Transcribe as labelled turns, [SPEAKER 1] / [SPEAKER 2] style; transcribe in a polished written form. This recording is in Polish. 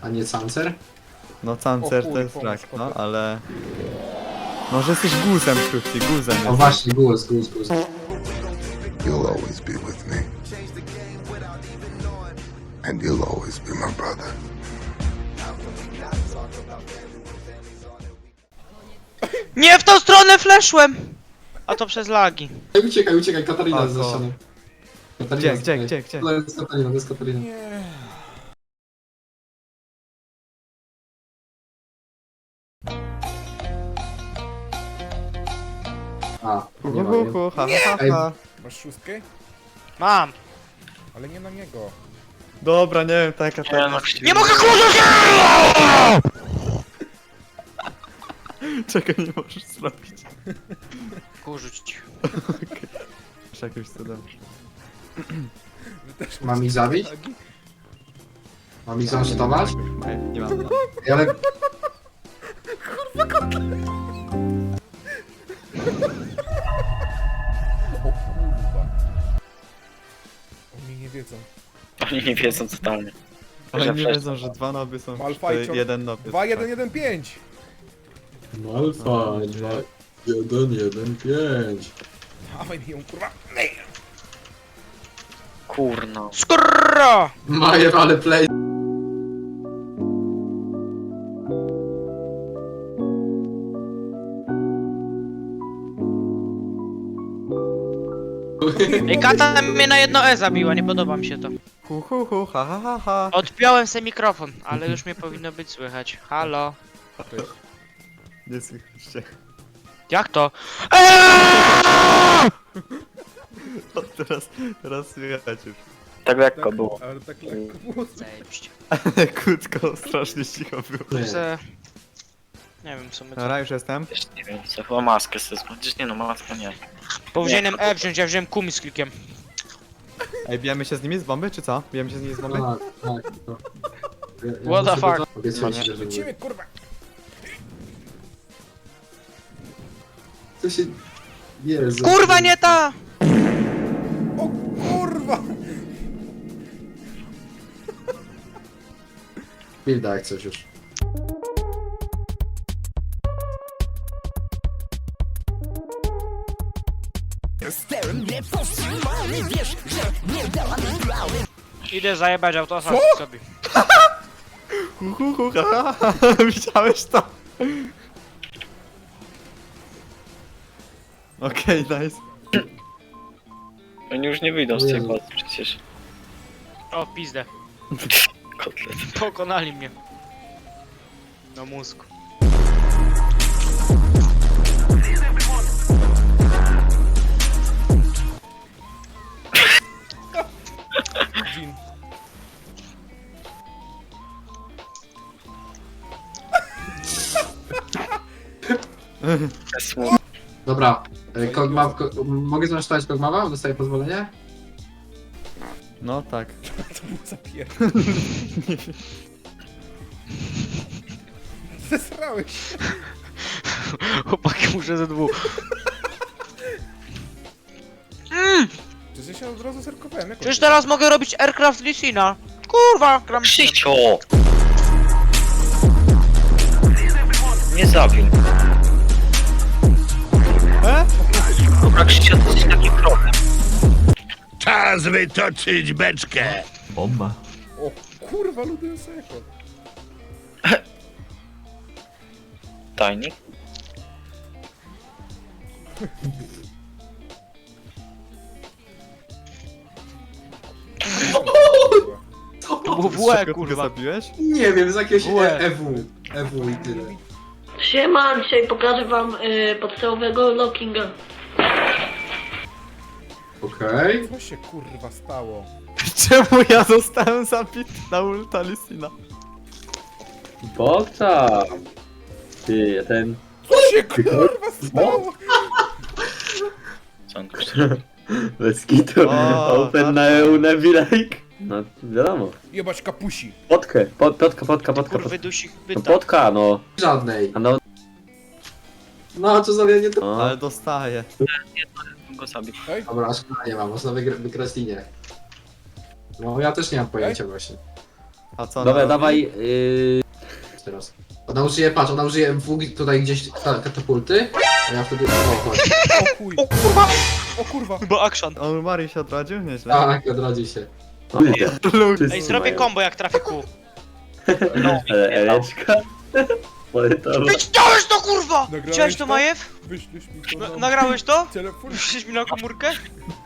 [SPEAKER 1] A nie cancer?
[SPEAKER 2] No Cancer
[SPEAKER 3] O
[SPEAKER 2] to jest
[SPEAKER 3] chuj,
[SPEAKER 2] rak,
[SPEAKER 3] pomóż,
[SPEAKER 2] no
[SPEAKER 3] chłopie.
[SPEAKER 2] ale... Może jesteś guzem, Kruci, guzem
[SPEAKER 1] O
[SPEAKER 2] jesteś.
[SPEAKER 1] właśnie, głos.
[SPEAKER 4] You'll always be with me. And you'll always be my brother.
[SPEAKER 5] Nie w tą stronę fleszłem! A to przez lagi.
[SPEAKER 1] Uciekaj, Katarina
[SPEAKER 2] O,
[SPEAKER 1] jest za
[SPEAKER 2] o.
[SPEAKER 1] ścianą. Katarina,
[SPEAKER 2] Gdzie?
[SPEAKER 1] To jest Katarina.
[SPEAKER 3] Nie.
[SPEAKER 1] A, nie ma jej.
[SPEAKER 2] Ha.
[SPEAKER 3] Masz szóstkę?
[SPEAKER 5] Mam!
[SPEAKER 3] Ale nie na niego.
[SPEAKER 2] Dobra, nie wiem, taka
[SPEAKER 6] no,
[SPEAKER 5] Nie mogę kurzyć!
[SPEAKER 2] Czekaj, nie możesz zrobić.
[SPEAKER 5] Kurzyć.
[SPEAKER 2] Jeszcze jakimś cudem.
[SPEAKER 3] Wy też
[SPEAKER 1] Mam
[SPEAKER 3] macie
[SPEAKER 1] ich zabić?
[SPEAKER 3] lagi?
[SPEAKER 1] Mam ich zaszczytować?
[SPEAKER 2] Nie mam.
[SPEAKER 1] Ale...
[SPEAKER 3] O kurwa. Oni nie wiedzą.
[SPEAKER 6] Oni nie wiedzą totalnie.
[SPEAKER 2] Ale
[SPEAKER 6] Że
[SPEAKER 2] nie
[SPEAKER 6] flash-
[SPEAKER 2] wiedzą, że dwa noby są...
[SPEAKER 3] Malfajcior.
[SPEAKER 2] jeden nob jest.
[SPEAKER 3] 2, 1, 1, 5.
[SPEAKER 1] Alfa, 2, 1, 1, 5.
[SPEAKER 3] Dawaj mi ją kurwa.
[SPEAKER 6] Kurno.
[SPEAKER 5] Skurro!
[SPEAKER 1] Majer, ale play.
[SPEAKER 5] Ej, kata mnie na jedno E zabiła, nie podoba mi się to.
[SPEAKER 2] Ha.
[SPEAKER 5] Odpiąłem sobie mikrofon, ale już mnie powinno być słychać. Halo?
[SPEAKER 3] Cześć.
[SPEAKER 2] Nie słychaliście.
[SPEAKER 5] Jak to?
[SPEAKER 2] O, teraz słychać już.
[SPEAKER 6] Tak lekko było.
[SPEAKER 3] Ale tak lekko było.
[SPEAKER 5] Zajebiście.
[SPEAKER 2] Krótko, strasznie cicho było.
[SPEAKER 1] Nie.
[SPEAKER 5] Se... Nie wiem, co my co.
[SPEAKER 2] Dobra, już jestem.
[SPEAKER 6] Też nie wiem, co chyba maskę sobie zbudzić. Nie no, maskę nie.
[SPEAKER 5] Powinienem E wziąć, ja wziąłem kumi z klikiem.
[SPEAKER 2] Ej, bijemy się z nimi z bomby, czy co? Bijemy się z nimi z bomby?
[SPEAKER 1] Tak.
[SPEAKER 5] What the fuck?
[SPEAKER 1] Obiecuję ci, że
[SPEAKER 3] Lecimy kurwa.
[SPEAKER 1] Co się... Jezu.
[SPEAKER 5] Kurwa, nie ta!
[SPEAKER 3] O kurwa.
[SPEAKER 1] Bilda jak coś już.
[SPEAKER 5] Idę zajebać autosa sobie.
[SPEAKER 2] Widziałeś to? Okej, nice.
[SPEAKER 6] Oni już nie wyjdą z tej bazy przecież.
[SPEAKER 5] O, pizdę.
[SPEAKER 6] Kotlet.
[SPEAKER 5] Pokonali mnie. No mózg.
[SPEAKER 3] Jean.
[SPEAKER 6] Bez słów.
[SPEAKER 1] Dobra, mogę zmasztować Kogmawa? Dostaję pozwolenie?
[SPEAKER 2] No tak.
[SPEAKER 3] To był zapier... Zesrałeś się.
[SPEAKER 5] Chłopaki, muszę ze dwóch.
[SPEAKER 3] Przecież ja się od razu zerkowałem. Jak
[SPEAKER 5] Przecież teraz mogę robić Aircraft Lysina. Kurwa, gram z tym.
[SPEAKER 6] Krzycio! Nie zabił. Dobra, Krzycio, to jest taki problem.
[SPEAKER 7] Czas wytoczyć beczkę!
[SPEAKER 3] O kurwa, lubię seko.
[SPEAKER 6] Tajnik?
[SPEAKER 1] Co?
[SPEAKER 5] To było w
[SPEAKER 2] Z
[SPEAKER 5] łe,
[SPEAKER 2] czego ty go
[SPEAKER 5] kurwa.
[SPEAKER 2] zabiłeś?
[SPEAKER 1] Nie wiem, z jakiegoś
[SPEAKER 5] Łe.
[SPEAKER 1] EW i tyle.
[SPEAKER 8] Siema, dzisiaj pokażę wam podstawowego lockinga.
[SPEAKER 1] Okej.
[SPEAKER 3] Co się kurwa stało?
[SPEAKER 2] Czemu ja zostałem zabity na ulta Lysina?
[SPEAKER 9] Bo tam. Ty, ten...
[SPEAKER 3] Co się kurwa stało?
[SPEAKER 6] Co on tu chce?
[SPEAKER 9] Bez kitu.
[SPEAKER 2] O,
[SPEAKER 9] Open na Neville'ik. No, wiadomo.
[SPEAKER 3] Jebać kapusi.
[SPEAKER 9] Potkę. Potka.
[SPEAKER 5] Kurwy dusich
[SPEAKER 9] No
[SPEAKER 5] byta.
[SPEAKER 9] potka, no.
[SPEAKER 1] Żadnej.
[SPEAKER 9] A no,
[SPEAKER 1] No, co za nie to...
[SPEAKER 9] no.
[SPEAKER 2] Ale dostaję.
[SPEAKER 6] Go zabił.
[SPEAKER 1] Dobra, szkoda nie ma, można wygrać linię. No, ja też nie mam pojęcia właśnie.
[SPEAKER 2] A co
[SPEAKER 9] Dobra,
[SPEAKER 2] ona
[SPEAKER 9] dawaj.
[SPEAKER 1] Teraz. Ona użyje, patrz, ona użyje MW tutaj gdzieś katapulty, a ja wtedy... O, chodź.
[SPEAKER 3] O chuj.
[SPEAKER 5] O kurwa!
[SPEAKER 3] O kurwa.
[SPEAKER 5] Chyba action.
[SPEAKER 2] robi? On Mari się odrodził? Nieźle.
[SPEAKER 1] Tak, odrodzi się.
[SPEAKER 5] Ej, zrobię combo jak trafię kół.
[SPEAKER 6] No,
[SPEAKER 9] Ale Eleczka. Poletowa.
[SPEAKER 5] Widziałeś to kurwa!
[SPEAKER 3] Nagrałeś
[SPEAKER 5] Widziałeś to
[SPEAKER 3] to?
[SPEAKER 5] Majew?
[SPEAKER 3] Wyślesz mi to na
[SPEAKER 5] Nagrałeś to?
[SPEAKER 3] telefon?
[SPEAKER 5] Wyślesz mi na komórkę?